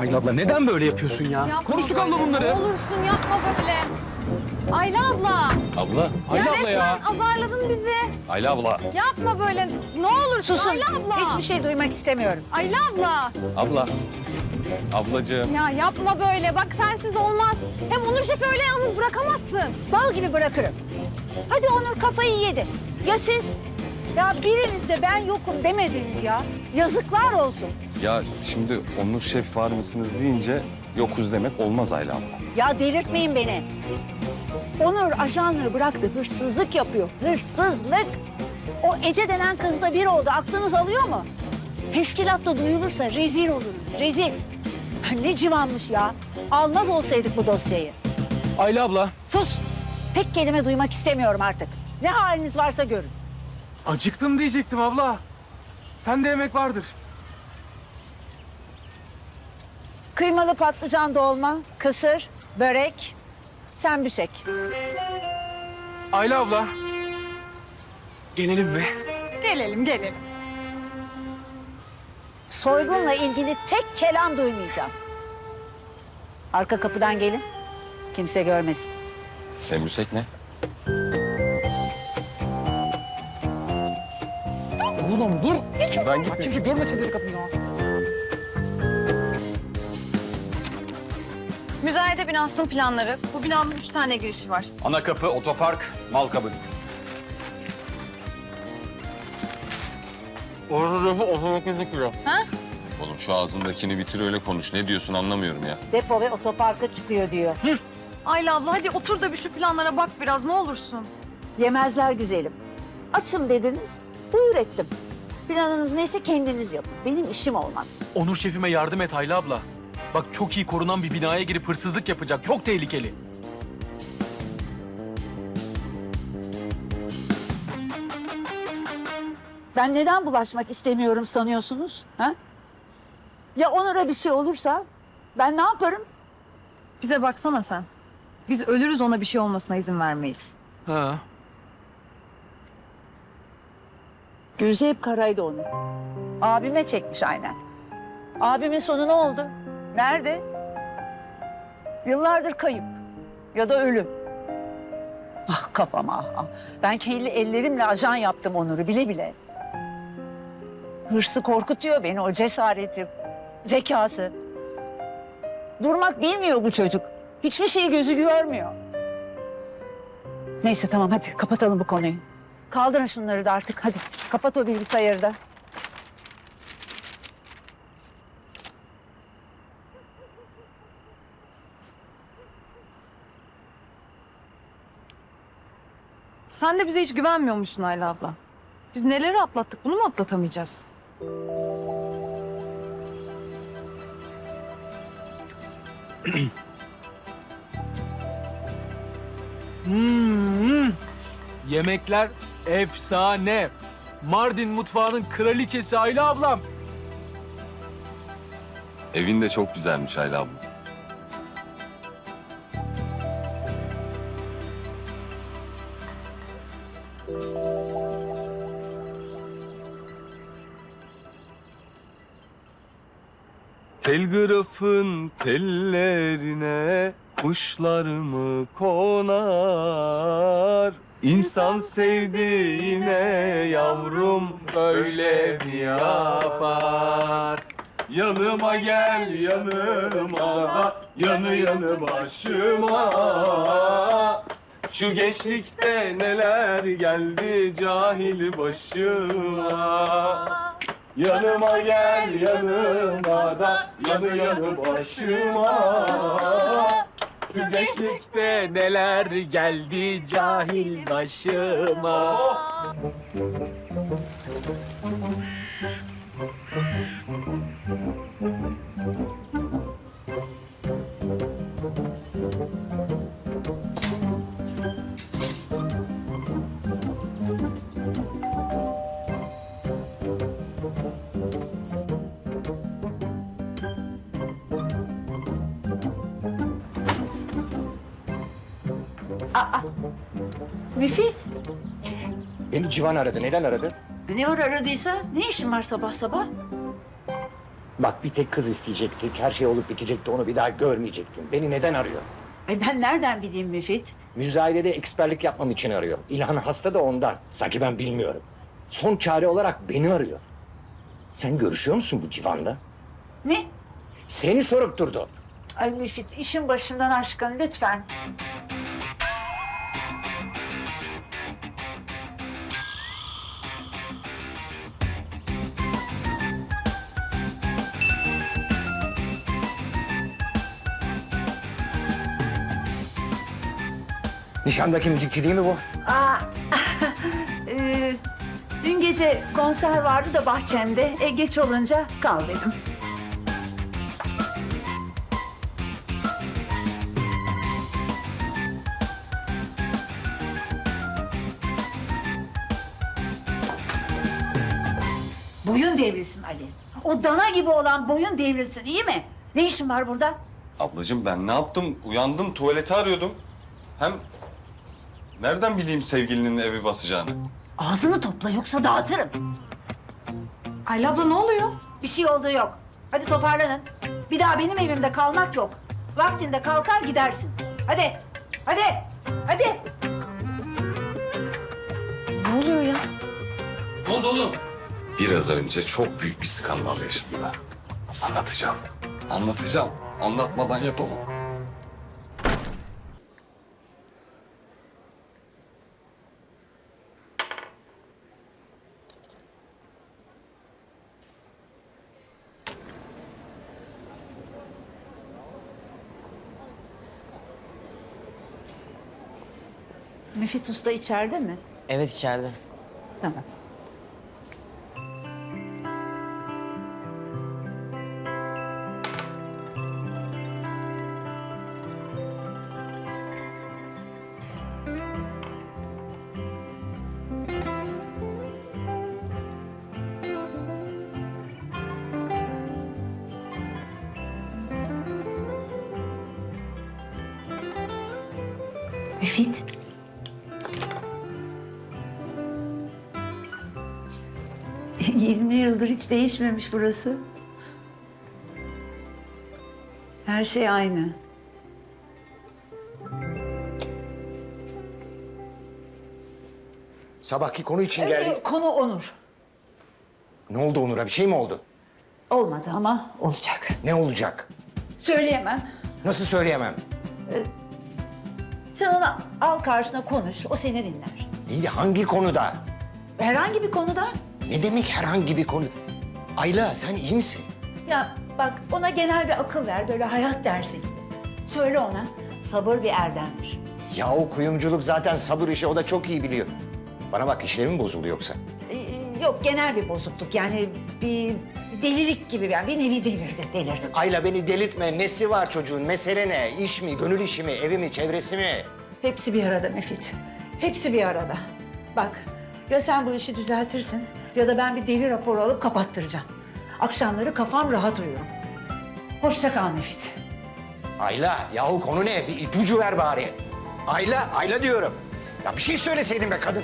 Hayır abla neden böyle yapıyorsun ya? Yapma Konuştuk böyle. abla bunları. Ne olursun yapma böyle. Ayla abla. Abla. Ayla abla ya. Resmen azarladın bizi. Ayla abla. Yapma böyle. Ne olur Susun. Ayla abla. Hiçbir şey duymak istemiyorum. Ayla abla. Abla. Ablacığım. Ya yapma böyle. Bak sensiz olmaz. Hem Onur Şef'i öyle yalnız bırakamazsın. Bal gibi bırakırım. Hadi Onur kafayı yedi. Ya siz? Ya biriniz de ben yokum demediniz ya. Yazıklar olsun. Ya şimdi Onur Şef var mısınız deyince yokuz demek olmaz Ayla abla. Ya delirtmeyin beni. Onur ajanlığı bıraktı. Hırsızlık yapıyor. Hırsızlık. O Ece denen kızla bir oldu. Aklınız alıyor mu? Teşkilatta duyulursa rezil oluruz. Rezil. Ne civanmış ya. Almaz olsaydık bu dosyayı. Ayla abla. Sus. Tek kelime duymak istemiyorum artık. Ne haliniz varsa görün. Acıktım diyecektim abla. Sende yemek vardır. Kıymalı patlıcan dolma, kısır, börek, sembüsek. Ayla abla. Gelelim mi? Gelelim. Soygunla ilgili tek kelam duymayacağım. Arka kapıdan gelin. Kimse görmesin. Sembüsek ne? Oğlum dur. Ben gitmeyeyim. Kimse görmesin dedi kapıyı ya. Müzayede binasının planları. Bu binanın 3 tane girişi var. Ana kapı, otopark, mal kabı. Orada lafı otomatik duruyor. Oğlum şu ağzındakini bitir öyle konuş. Ne diyorsun anlamıyorum ya. Depo ve otoparka çıkıyor diyor. Ayla abla hadi otur da bir şu planlara bak biraz ne olursun. Yemezler güzelim. Açım dediniz, buyur ettim. Planınız neyse kendiniz yapın. Benim işim olmaz. Onur şefime yardım et Ayla abla. Bak çok iyi korunan bir binaya girip hırsızlık yapacak. Çok tehlikeli. Ben neden bulaşmak istemiyorum sanıyorsunuz? Ha? Ya Onur'a bir şey olursa ben ne yaparım? Bize baksana sen. Biz ölürüz ona bir şey olmasına izin vermeyiz. Ha. Gözü hep karaydı onun. Abime çekmiş aynen. Abimin sonu ne oldu? Nerede? Yıllardır kayıp ya da ölüm. Ah kafam ah, ah. Ben kendi ellerimle ajan yaptım Onur'u bile bile. Hırsı korkutuyor beni, o cesareti, zekası. Durmak bilmiyor bu çocuk. Hiçbir şeyi gözü görmüyor. Neyse tamam hadi kapatalım bu konuyu. Kaldırın şunları da artık hadi. Kapat o bilgisayarı da. Sen de bize hiç güvenmiyormuşsun Ayla abla. Biz neleri atlattık bunu mu atlatamayacağız? Yemekler efsane. Mardin mutfağının kraliçesi Ayla ablam. Evin de çok güzelmiş Ayla abla. Telgrafın tellerine kuşlar mı konar? İnsan sevdiğine yavrum böyle mi yapar? Yanıma gel yanıma, yanı yanı başıma. Şu gençlikte neler geldi cahil başıma. Yanıma gel yanıma da yanı yanı başıma. Şu gençlikte neler geldi cahil başıma. Müfit. Beni Civan aradı. Neden aradı? Ne var aradıysa? Ne işin var sabah sabah? Bak bir tek kız isteyecektik. Her şey olup bitecekti. Onu bir daha görmeyecektin. Beni neden arıyor? Ay ben nereden bileyim Müfit? Müzayedede eksperlik yapmam için arıyor. İlhan hasta da ondan. Sanki ben bilmiyorum. Son çare olarak beni arıyor. Sen görüşüyor musun bu civanda? Ne? Seni sorup durdu. Ay Müfit işin başımdan aşkın lütfen. Nişandaki müzikçi değil mi bu? Aa, dün gece konser vardı da bahçemde. Geç olunca kal dedim. Boyun devrilsin Ali. O dana gibi olan boyun devrilsin, iyi mi? Ne işin var burada? Ablacığım ben ne yaptım? Uyandım, tuvaleti arıyordum. Hem nereden bileyim sevgilinin evi basacağını? Ağzını topla yoksa dağıtırım. Ayla abla ne oluyor? Bir şey olduğu yok. Hadi toparlanın. Bir daha benim evimde kalmak yok. Vaktinde kalkar gidersin. Hadi. Hadi. Hadi. Ne oluyor ya? Ne oldu oğlum? Biraz önce çok büyük bir skandal yaşadım ben. Anlatacağım. Anlatacağım. Anlatmadan yapamam. Müfit Usta içeride mi? Evet içeride. Tamam. Müfit. 20 yıldır hiç değişmemiş burası. Her şey aynı. Sabahki konu için geldi. Konu Onur. Ne oldu Onur'a? Bir şey mi oldu? Olmadı ama olacak. Ne olacak? Söyleyemem. Nasıl söyleyemem? Sen ona al karşına konuş, o seni dinler. İyi de hangi konuda? Herhangi bir konuda. Ne demek herhangi bir konu? Ayla sen iyi misin? Ya bak ona genel bir akıl ver, böyle hayat dersi gibi. Söyle ona, sabır bir erdemdir. Ya o kuyumculuk zaten sabır işi, o da çok iyi biliyor. Bana bak, işlerim bozuldu yoksa? Yok, genel bir bozukluk yani bir delilik gibi yani bir nevi delirdi. Ayla beni delirtme. Nesi var çocuğun? Mesele ne? İş mi, gönül işi mi, evi mi, çevresi mi? Hepsi bir arada Müfit, hepsi bir arada. Bak, ya sen bu işi düzeltirsin ya da ben bir deli raporu alıp kapattıracağım. Akşamları kafam rahat uyurum. Hoşça kal Müfit. Ayla, yahu konu ne? Bir ipucu ver bari. Ayla, Ayla diyorum. Ya bir şey söyleseydin be kadın.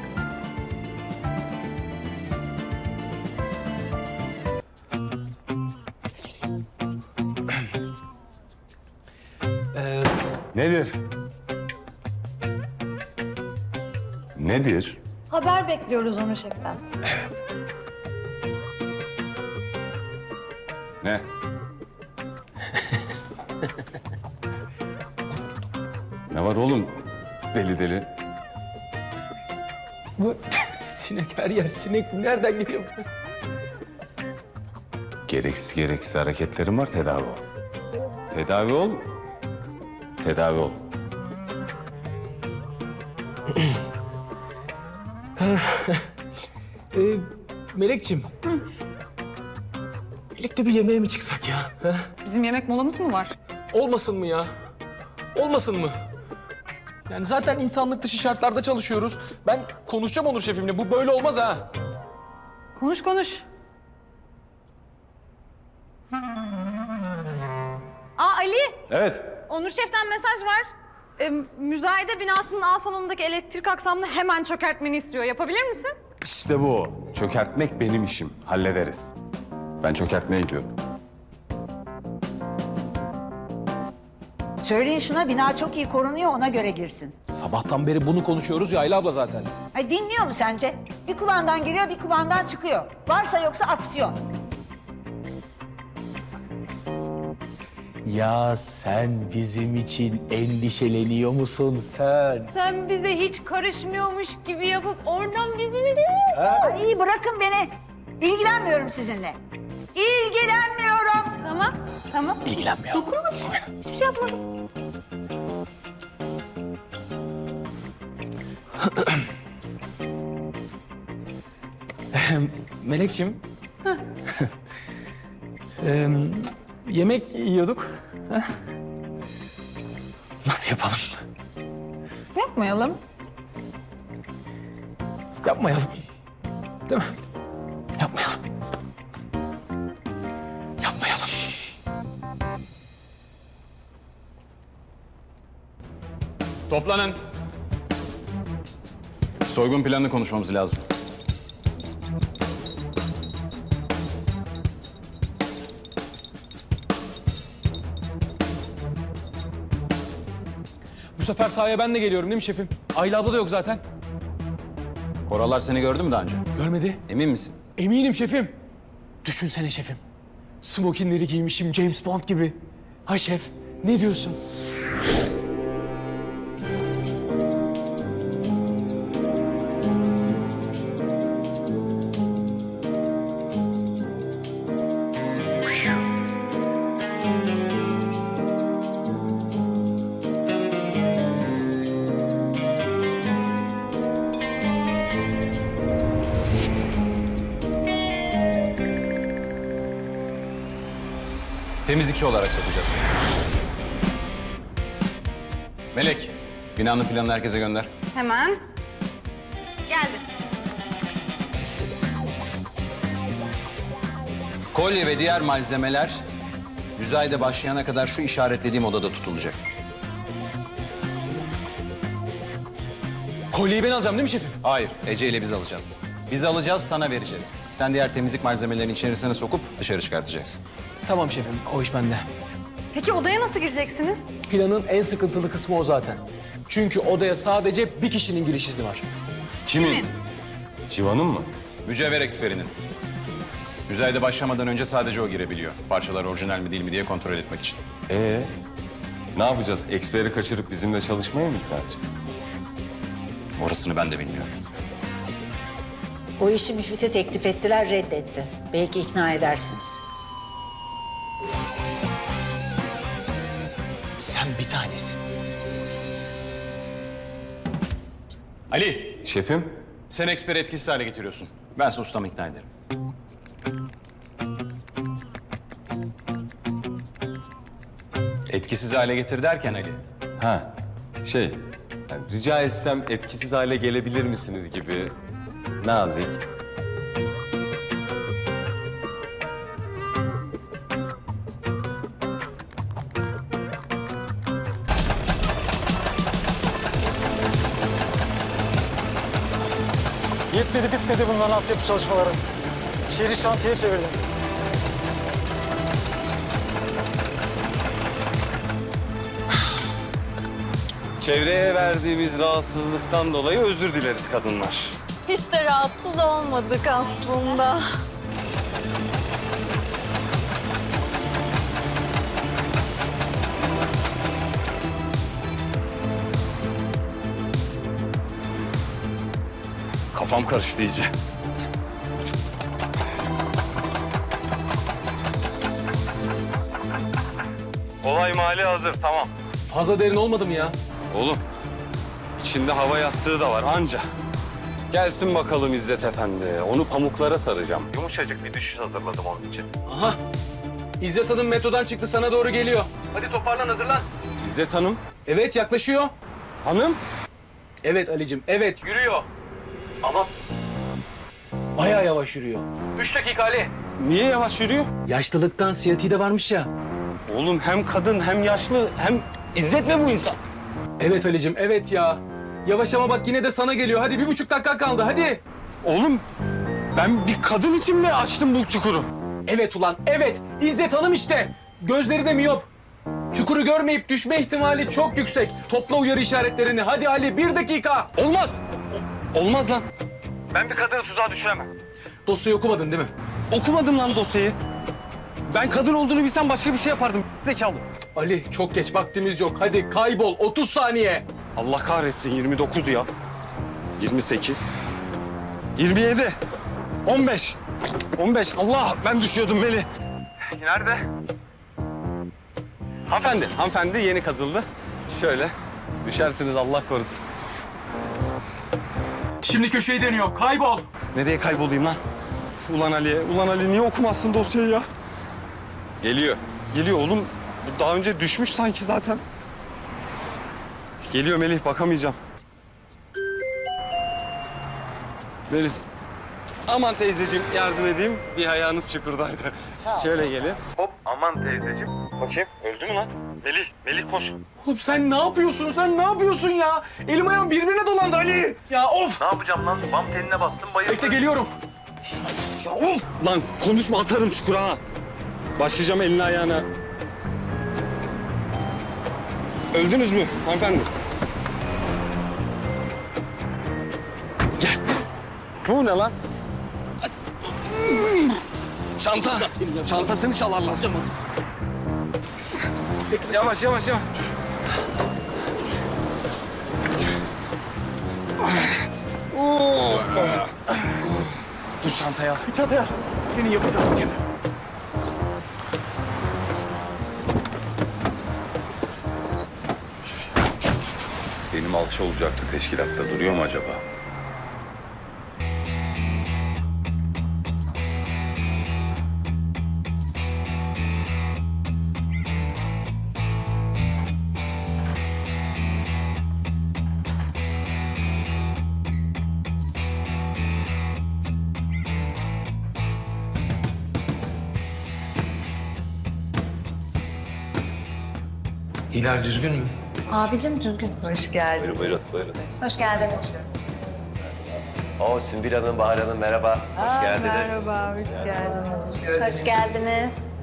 Nedir? Nedir? Haber bekliyoruz Onur Şef'ten. Ne? Ne var oğlum? Deli deli. Bu sinek her yer sinek. Bu nereden geliyor? Gereksiz hareketlerim var, tedavi ol. Tedavi ol. Tedavi ol. Melekciğim. Birlikte bir yemeğe mi çıksak ya? Ha? Bizim yemek molamız mı var? Olmasın mı ya? Olmasın mı? Yani zaten insanlık dışı şartlarda çalışıyoruz. Ben konuşacağım Onur şefimle. Bu böyle olmaz ha. Konuş konuş. Aa Ali, Evet. Onur Şef'ten mesaj var. Müzayede binasının A salonundaki elektrik aksamını hemen çökertmeni istiyor. Yapabilir misin? İşte bu. Çökertmek benim işim. Hallederiz. Ben çökertmeye gidiyorum. Söyleyin şuna, bina çok iyi korunuyor, ona göre girsin. Sabahtan beri bunu konuşuyoruz ya Ayla abla zaten. Ay dinliyor mu sence? Bir kulağından giriyor, bir kulağından çıkıyor. Varsa yoksa aksiyon. Ya sen bizim için endişeleniyor musun sen? Sen bize hiç karışmıyormuş gibi yapıp oradan bizi mi Ay iyi, bırakın beni. İlgilenmiyorum sizinle. İlgilenmiyorum. Tamam, tamam. İlgilenmiyor. Hiçbir şey yapmadım. Melekciğim. Yemek yiyorduk. Heh. Nasıl yapalım? Yapmayalım. Yapmayalım. Değil mi? Yapmayalım. Yapmayalım. Toplanın. Soygun planını konuşmamız lazım. Bu sefer sahaya ben de geliyorum değil mi şefim? Ayla abla da yok zaten. Koralar seni gördü mü daha önce? Görmedi. Emin misin? Eminim şefim. Düşünsene şefim. Smokinleri giymişim James Bond gibi. Ha şef, ne diyorsun? Temizlikçi olarak sokacağız. Melek, binanın planını herkese gönder. Hemen. Geldi. Kolye ve diğer malzemeler müzayede başlayana kadar şu işaretlediğim odada tutulacak. Kolyeyi ben alacağım değil mi şefim? Hayır, Ece ile biz alacağız. Biz alacağız, sana vereceğiz. Sen diğer temizlik malzemelerini içerisine sokup dışarı çıkartacaksın. Tamam şefim, o iş bende. Peki odaya nasıl gireceksiniz? Planın en sıkıntılı kısmı o zaten. Çünkü odaya sadece bir kişinin giriş izni var. Kimin? Civan'ın mı? Mücevher eksperinin. Müzayede başlamadan önce sadece o girebiliyor. Parçalar orijinal mi değil mi diye kontrol etmek için. Ne yapacağız? Eksperi kaçırıp bizimle çalışmaya mı ikna edeceğiz? Orasını ben de bilmiyorum. O işi Müfit'e teklif ettiler, reddetti. Belki ikna edersiniz. Sen bir tanesin. Ali, Şefim, sen eksperi etkisiz hale getiriyorsun. Ben ise ustamı ikna ederim. Etkisiz hale getir derken Ali. yani rica etsem etkisiz hale gelebilir misiniz gibi nazik. Yetmedi bitmedi bunların altyapı çalışmaları. Şehri şantiye çevirdiniz. Çevreye verdiğimiz rahatsızlıktan dolayı özür dileriz kadınlar. Hiç de rahatsız olmadık aslında. Kafam karıştı iyice. Olay mali hazır, tamam. Fazla derin olmadı mı ya? Oğlum, içinde hava yastığı da var anca. Gelsin bakalım İzzet Efendi. Onu pamuklara saracağım. Yumuşacık bir düşüş hazırladım onun için. Aha. İzzet Hanım metrodan çıktı, sana doğru geliyor. Hadi toparlan, hazırlan. İzzet Hanım, Evet, yaklaşıyor. hanım. Evet Ali'cim, evet. Yürüyor. Ama bayağı yavaş yürüyor. 3 dakika Ali. Niye yavaş yürüyor? Yaşlılıktan siyatiği de varmış ya. Oğlum hem kadın hem yaşlı hem İzzet mi bu insan? Evet Ali'cim, evet ya. Yavaş ama bak yine de sana geliyor. Hadi 1,5 dakika kaldı, hadi. Oğlum ben bir kadın için mi açtım bu çukuru? Evet ulan, evet. İzzet Hanım işte. Gözleri de miyop. Çukuru görmeyip düşme ihtimali çok yüksek. Topla uyarı işaretlerini. Hadi Ali, 1 dakika. Olmaz. Olmaz lan. Ben bir kadını tuzağa düşüremem. Dosyayı okumadın değil mi? Okumadım lan dosyayı. Ben kadın olduğunu bilsem başka bir şey yapardım. Zekalı. Ali, çok geç. Vaktimiz yok. Hadi kaybol. 30 saniye. Allah kahretsin 29 ya. 28. 27. 15. 15. Allah ben düşüyordum Melih. Nerede? Hanımefendi yeni kazıldı. Şöyle düşersiniz Allah korusun. Şimdi köşeyi dönüyor. Kaybol. Nereye kaybolayım lan? Ulan Ali niye okumazsın dosyayı ya? Geliyor. Geliyor oğlum. Bu daha önce düşmüş sanki zaten. Geliyor Melih, bakamayacağım. Melih. Aman teyzeciğim yardım edeyim. Bir ayağınız çukurdaydı. Şöyle gelin. Hop aman teyzeciğim. Bakayım öldü mü lan? Melih koş. Oğlum sen ne yapıyorsun? Sen ne yapıyorsun ya? Elim ayağım birbirine dolandı Ali. Ya of. Ne yapacağım lan? Bam teline bastım bayıldım. Bekle geliyorum. Ya of! Lan konuşma atarım çukura ha. Başlayacağım eline ayağına. Öldünüz mü hanımefendi? Gel. Bu ne lan? Çanta. Çantasını çalarlar. Yavaş. Dur çantaya. Bir çantaya. Senin yapacağın bir kere. Benim alçı olacaktı teşkilatta. Duruyor mu acaba? Hilal düzgün mü? Abicim düzgün. Hoş geldin. Buyurun. Hoş geldiniz. Oo Sümbül Hanım, Bahar Hanım merhaba. Hoş geldiniz. Merhaba, hoş geldiniz. Hoş geldiniz.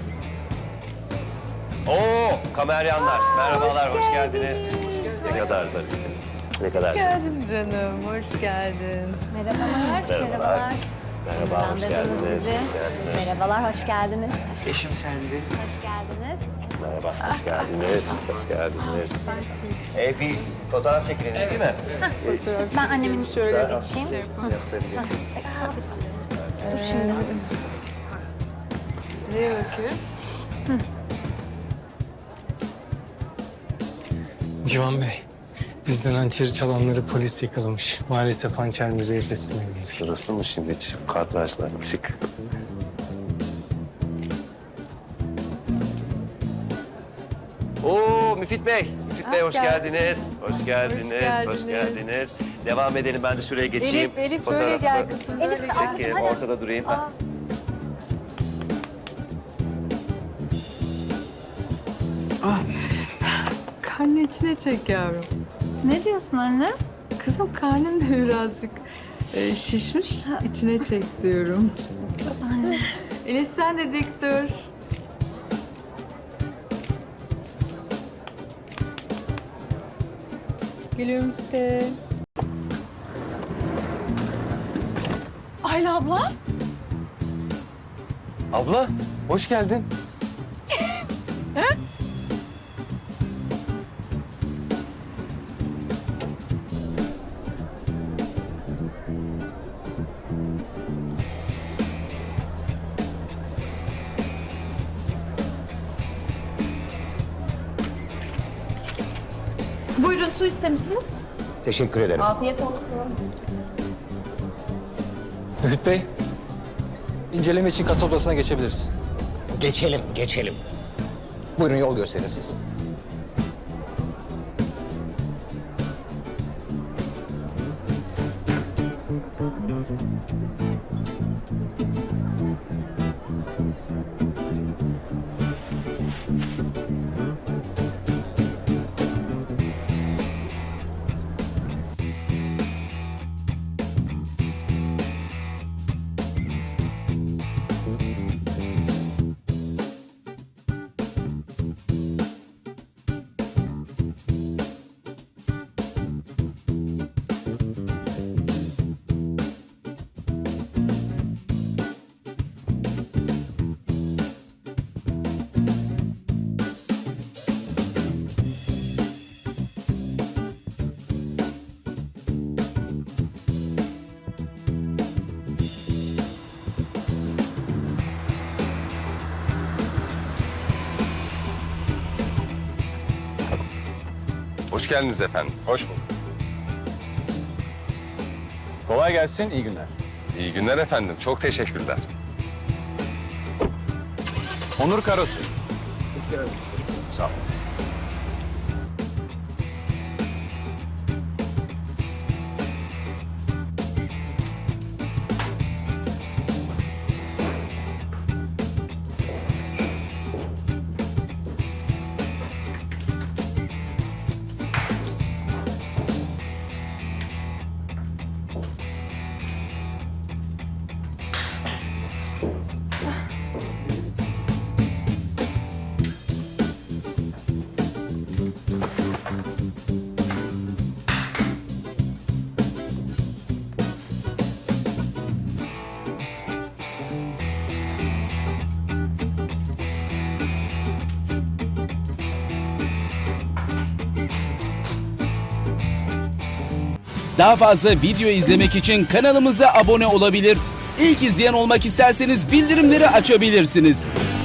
Oo kameryanlar. Merhabalar, hoş geldiniz. Ne kadar zarifsiniz. Ne kadar zarif. Geldin canım, hoş geldin. Merhabalar. Merhaba, hoş geldiniz. Merhabalar, hoş geldiniz. Eşim Selvi. Hoş geldiniz. Merhaba, hoş geldiniz. Hoş geldiniz. Bir fotoğraf çekilelim değil mi? Ben annemin şöyle geçeyim. Dur şimdi. Neye bakıyoruz? Civan Bey, bizden hançeri çalanları polis yakalamış. Maalesef hançer müzeye teslim edilmiş. Sırası mı şimdi? Çık kadrajlar, çık. Oo Müfit Bey. Müfit Bey hoş geldiniz. Hoş geldiniz. Devam edelim. Ben de şuraya geçeyim. Elif Fotoğrafı böyle gel kızım. Elif çekeyim. Ortada durayım. Karnı içine çek yavrum. Ne diyorsun anne? Kızım karnın da birazcık şişmiş. İçine çek diyorum. Sus anne. Elif sen de dik dur. Gülümse. Ayla abla. Abla hoş geldin. Buyurun su istemişsiniz. Teşekkür ederim. Afiyet olsun. Müfit Bey, inceleme için kasa odasına geçebiliriz. Geçelim. Buyurun yol gösterin siz. Hoş geldiniz efendim. Hoş bulduk. Kolay gelsin, iyi günler. İyi günler efendim. Çok teşekkürler. Onur Karasu. Sağ ol. Daha fazla video izlemek için kanalımıza abone olabilir. İlk izleyen olmak isterseniz bildirimleri açabilirsiniz.